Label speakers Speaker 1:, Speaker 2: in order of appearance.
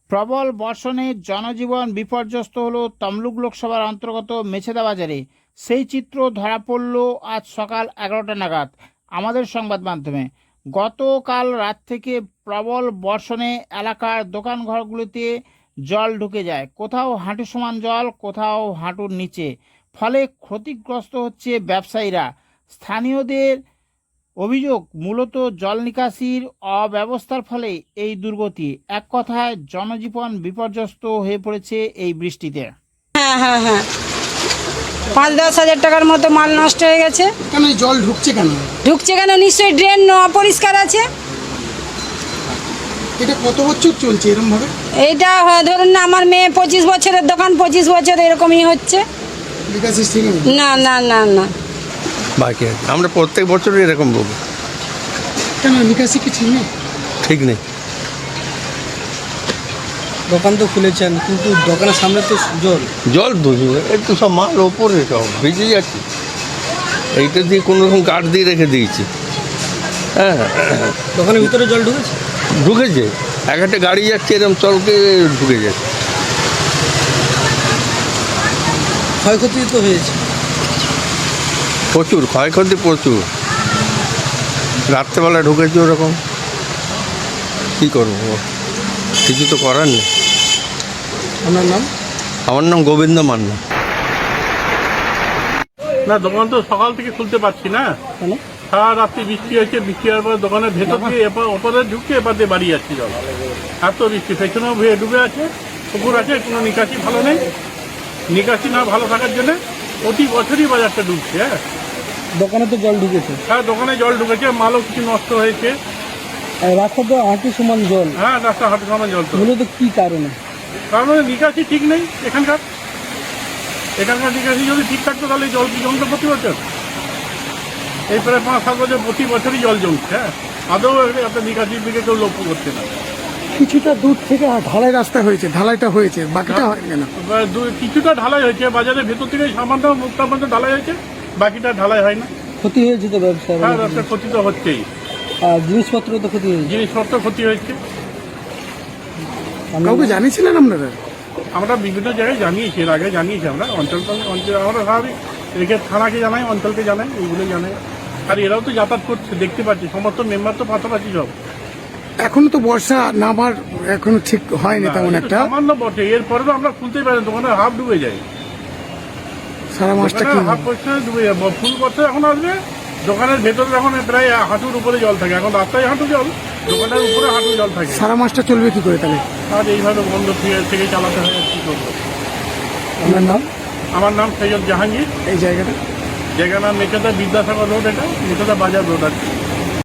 Speaker 1: প্রবল বর্ষণে জনজীবন বিপর্যস্ত হলো তমলুক লোকসভার অন্তর্গত মেছেদা বাজারে। সেই চিত্র ধরা পড়ল আজ সকাল 11টা নাগাদ আমাদের সংবাদ মাধ্যমে। গতকাল রাত থেকে প্রবল বর্ষণে এলাকার দোকানঘরগুলিতে জল ঢুকে যায়, কোথাও হাঁটু সমান জল, কোথাও হাঁটুর নিচে। ফলে ক্ষতিগ্রস্ত হচ্ছে ব্যবসায়ীরা। স্থানীয়দের অভিযোগ, মূলত জল নিকাশির অব্যবস্থার ফলে এই দুর্গতি। এক কথায় জনজীবন বিপর্যস্ত হয়ে পড়েছে এই বৃষ্টিতে।
Speaker 2: হ্যাঁ 5-10 হাজার টাকার মতো মাল নষ্ট হয়ে গেছে।
Speaker 3: কেন এই জল ঢুকছে কেন?
Speaker 2: নিশ্চয়ই ড্রেন অপরিষ্কার আছে।
Speaker 3: এটা কত বছর চলছে এরকম ভাবে?
Speaker 2: এইটা ধরুন না, আমার মেয়ে 25 বছরের দোকান, 25 বছর এরকমই হচ্ছে।
Speaker 3: নিকাশি ঠিক নেই?
Speaker 2: না
Speaker 4: বাকি আছে, আমরা প্রত্যেক বছরই এরকম বলবো।
Speaker 3: কেন নিকাশি কি ঠিক নেই?
Speaker 4: ঠিক নেই।
Speaker 5: দোকান তো খুলেছেন, কিন্তু দোকানের সামনে তো
Speaker 4: জল বুঝবে, একটু সব মাল ওপরে সব ভিজে যাচ্ছে। এইটা দিয়ে কোনো রকম কাঠ দিয়ে রেখে দিয়েছি। হ্যাঁ,
Speaker 5: দোকানের ভিতরে জল ঢুকেছে।
Speaker 4: ঢুকেছে। এক একটা গাড়ি যাচ্ছে এরকম চলকে ঢুকে যাচ্ছে।
Speaker 5: ক্ষয়ক্ষতি তো হয়েছে
Speaker 4: প্রচুর ক্ষয়ক্ষতি, প্রচুর। রাত্রেবেলা ঢুকেছে ওরকম, কী করবো, কিছু তো করার নেই।
Speaker 5: আপনার নাম?
Speaker 4: আমার নাম গোবিন্দ মান্না।
Speaker 6: না, দোকান তো সকাল থেকে খুলতে পারছি না।
Speaker 5: কেন?
Speaker 6: সারা রাত্রি বৃষ্টি হয়েছে। বৃষ্টি হওয়ার পর দোকানের ভেতর দিয়ে ওপরে ঢুকে এবার দিয়ে বাড়ি যাচ্ছে জল। এত বৃষ্টি, পেছনেও ডুবে আছে, পুকুর আছে, কোনো নিকাশি ভালো নেই। নিকাশি না ভালো থাকার জন্য প্রতি বছরই বাজারটা ডুবছে।
Speaker 5: দোকানে তো জল ঢুকেছে।
Speaker 6: হ্যাঁ, দোকানে জল ঢুকেছে, মালও কিছু নষ্ট হয়েছে।
Speaker 5: আর রাস্তা তো হাঁটু সমান জল।
Speaker 6: হ্যাঁ, রাস্তা হাঁটু সমান জল। তো
Speaker 5: মূলত কি কারণে?
Speaker 6: কারণ নিকাশি ঠিক নেই এখানকার নিকাশি যদি ঠিক থাকতো তাহলে জল কি জমতো প্রতি বছর? এই প্রায় 5-7 বছর প্রতি বছরই জল জমছে। হ্যাঁ, আদৌ একটা নিকাশির দিকে কেউ লক্ষ্য করছে না।
Speaker 3: কিছুটা দূর থেকে ঢালাই রাস্তা হয়েছে, ঢালাইটা হয়েছে, বাকিটা হয় না।
Speaker 6: কিছুটা ঢালাই হয়েছে, বাজারের ভেতর থেকে সামান্য মুখটা পর্যন্ত ঢালাই হয়েছে, বাকিটা ঢালাই হয় না।
Speaker 5: ক্ষতি হয়েছে তো ব্যবসার।
Speaker 6: হ্যাঁ, রাস্তার ক্ষতি তো হচ্ছেই।
Speaker 5: আর জিনিসপত্র তো ক্ষতি হয়েছে।
Speaker 6: জিনিসপত্র ক্ষতি হয়েছে।
Speaker 3: কাউকে জানিয়েছিলেন আপনারা?
Speaker 6: আমরা বিভিন্ন জায়গায় জানিয়েছি, এর আগে জানিয়েছি। আমরা অঞ্চল আমরা স্বাভাবিক রেখে থানাকে জানাই, অঞ্চলকে জানাই, এইগুলো জানাই। আর এরাও তো যাতায়াত করছে, দেখতে পাচ্ছি। সমস্ত মেম্বার তো পাশাপাশি সব।
Speaker 3: এখনো তো বর্ষা নামার এখনো ঠিক হয়নি তেমন একটা।
Speaker 6: সামান্য বটে, এরপরেও আমরা খুলতেই পারি, দোকানের হাফ ডুবে যায়।
Speaker 3: সারা মাসটা কি
Speaker 6: হাফ পয়সা ডুবে যায়। ফুল বছর এখন আসবে, দোকানের ভেতরে এখন প্রায় হাঁটুর উপরে জল থাকে। এখন রাস্তায় হাঁটু জল, দোকানের উপরে হাঁটু জল থাকে।
Speaker 3: সারা মাসটা চলবে কি করে তাহলে?
Speaker 6: আর এইভাবে বন্ধ থেকে চালাতে হয়, আর কি করবো।
Speaker 3: আপনার নাম?
Speaker 6: আমার নাম সৈয়দ জাহাঙ্গীর।
Speaker 3: এই জায়গাটা?
Speaker 6: জায়গার নাম মেচেদা বিদ্যাসাগর রোড। এটা মেচেদা বাজার রোড আছে।